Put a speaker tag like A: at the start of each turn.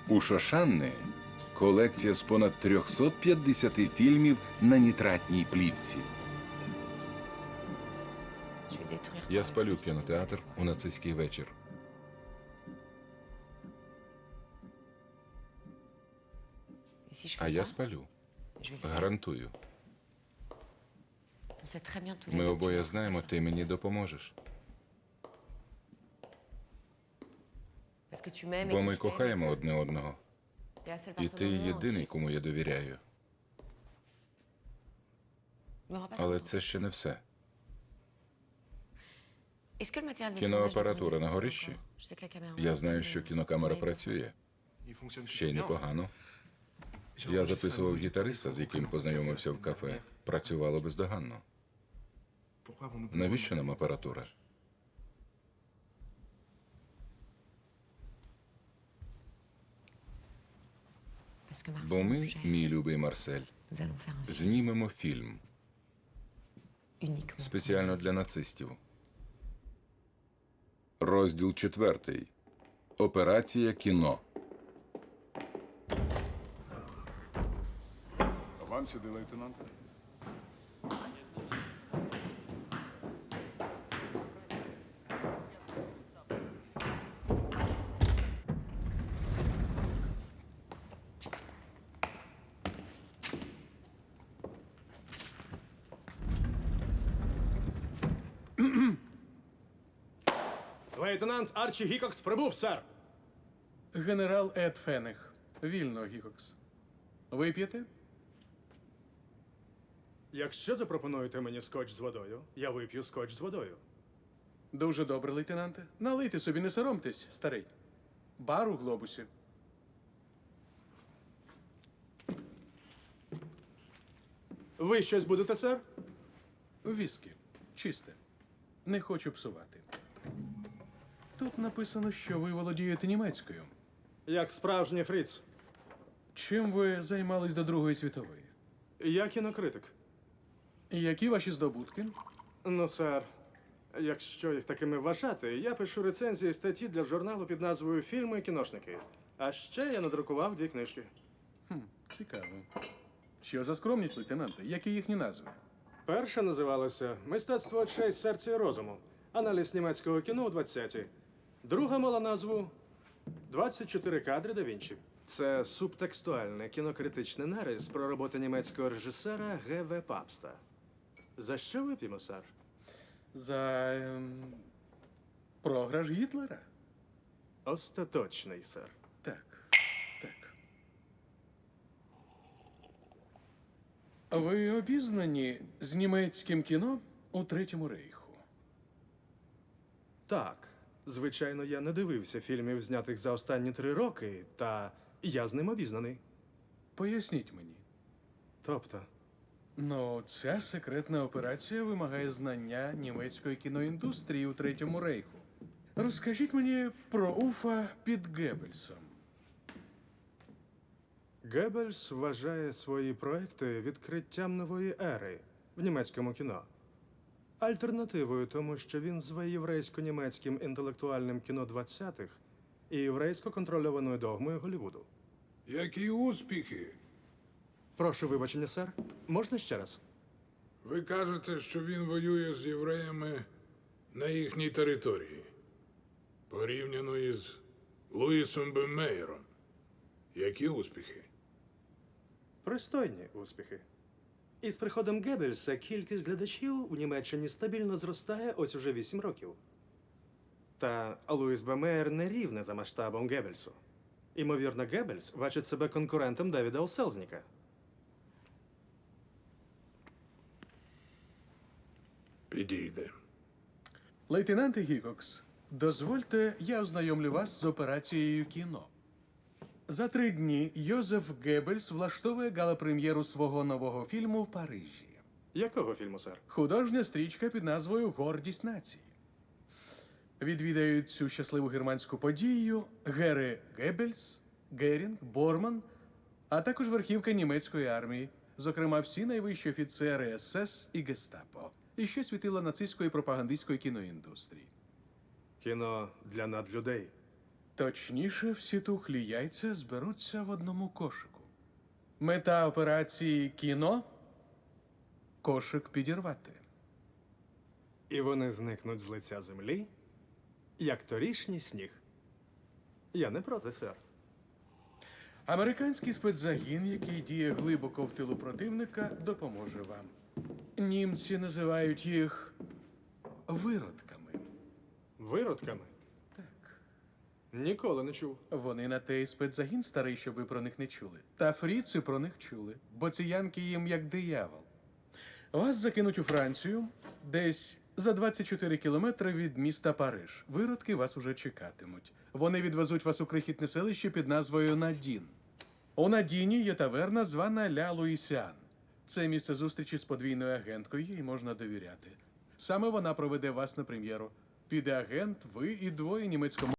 A: У Шошанни колекція з понад 350 фільмів на нітратній плівці. Я спалю кінотеатр у нацистський вечір. А я спалю. Гарантую. Ми обоє знаємо, ти мені допоможеш. Бо ми кохаємо одне одного. І ти єдиний, кому я довіряю. Але це ще не все. Кіноапаратура на горищі? Я знаю, що кінокамера працює. Ще й непогано. Я записував гітариста, з яким познайомився в кафе. Працювало бездоганно. Навіщо нам апаратура? Бо ми, мій любий Марсель, знімемо фільм. Спеціально для нацистів. Розділ 4. Операція кіно.
B: Вам сюди, лейтенанте.
C: Лейтенант Арчі Гікокс прибув, сер.
D: Генерал Ед Фенех. Вільно, Гікокс. Вип'єте?
C: Якщо запропонуєте мені скотч з водою, я вип'ю скотч з водою.
D: Дуже добре, лейтенанте. Налийте собі, не соромтесь, старий. Бар у глобусі.
C: Ви щось будете, сер?
D: Віскі. Чисте. Не хочу псувати. Тут написано, що ви володієте німецькою.
C: Як справжній фріц.
D: Чим ви займались до Другої світової?
C: Я кінокритик.
D: Які ваші здобутки?
C: Ну, сер, якщо їх такими вважати, я пишу рецензії статті для журналу під назвою «Фільми і кіношники». А ще я надрукував 2 книжки.
D: Цікаво. Що за скромність, лейтенанте? Які їхні назви?
C: Перша називалася «Мистецтво очей, серця і розуму. Аналіз німецького кіно у 20-ті». Друга мала назву «24 кадри да Вінчі». Це субтекстуальний кінокритичний нарис про роботу німецького режисера Г.В. Папста. За що вип'ємо, сер?
D: За програш Гітлера?
C: Остаточний, сер.
D: Так, так. Ви обізнані з німецьким кіно у Третьому рейху?
C: Так, звичайно, я не дивився фільмів, знятих за останні 3 роки, та я з ним обізнаний.
D: Поясніть мені.
C: Тобто,
D: Ну, ця секретна операція вимагає знання німецької кіноіндустрії у Третьому рейху. Розкажіть мені про Уфа під Геббельсом.
C: Геббельс вважає свої проекти відкриттям нової ери в німецькому кіно. Альтернативою тому, що він зве єврейсько-німецьким інтелектуальним кіно 20-х і єврейсько-контрольованою догмою Голлівуду.
E: Які успіхи?
C: Прошу вибачення, сер. Можна ще раз?
E: Ви кажете, що він воює з євреями на їхній території, порівняно із Луїсом Беммеєром. Які успіхи?
C: Пристойні успіхи. Із приходом Геббельса кількість глядачів у Німеччині стабільно зростає ось уже 8 років. Та Луїс Беммеєр не рівне за масштабом Геббельсу. Імовірно, Геббельс бачить себе конкурентом Девіда О. Селзніка.
E: Підійде.
D: Лейтенанте Гікокс, дозвольте, я ознайомлю вас з операцією кіно. За 3 дні Йозеф Геббельс влаштовує гала-прем'єру свого нового фільму в Парижі.
C: Якого фільму, сер?
D: Художня стрічка під назвою «Гордість нації». Відвідають цю щасливу германську подію Гере Геббельс, Герінг, Борман, а також верхівка німецької армії, зокрема всі найвищі офіцери СС і Гестапо, і ще світила нацистської пропагандистської кіноіндустрії.
C: Кіно для надлюдей.
D: Точніше, всі тухлі яйця зберуться в одному кошику. Мета операції кіно кошик підірвати.
C: І вони зникнуть з лиця землі, як торішній сніг. Я не проти, сер.
D: Американський спецзагін, який діє глибоко в тилу противника, допоможе вам. Німці називають їх виродками.
C: Виродками?
D: Так.
C: Ніколи не чув.
D: Вони на те й спецзагін старий, щоб ви про них не чули. Та фріци про них чули, бо ці янки їм як диявол. Вас закинуть у Францію, десь за 24 кілометри від міста Париж. Виродки вас уже чекатимуть. Вони відвезуть вас у крихітне селище під назвою Надін. У Надіні є таверна, звана Ля Луїсіан. Це місце зустрічі з подвійною агенткою, їй можна довіряти. Саме вона проведе вас на прем'єру. Піде агент, ви і двоє німецькомовних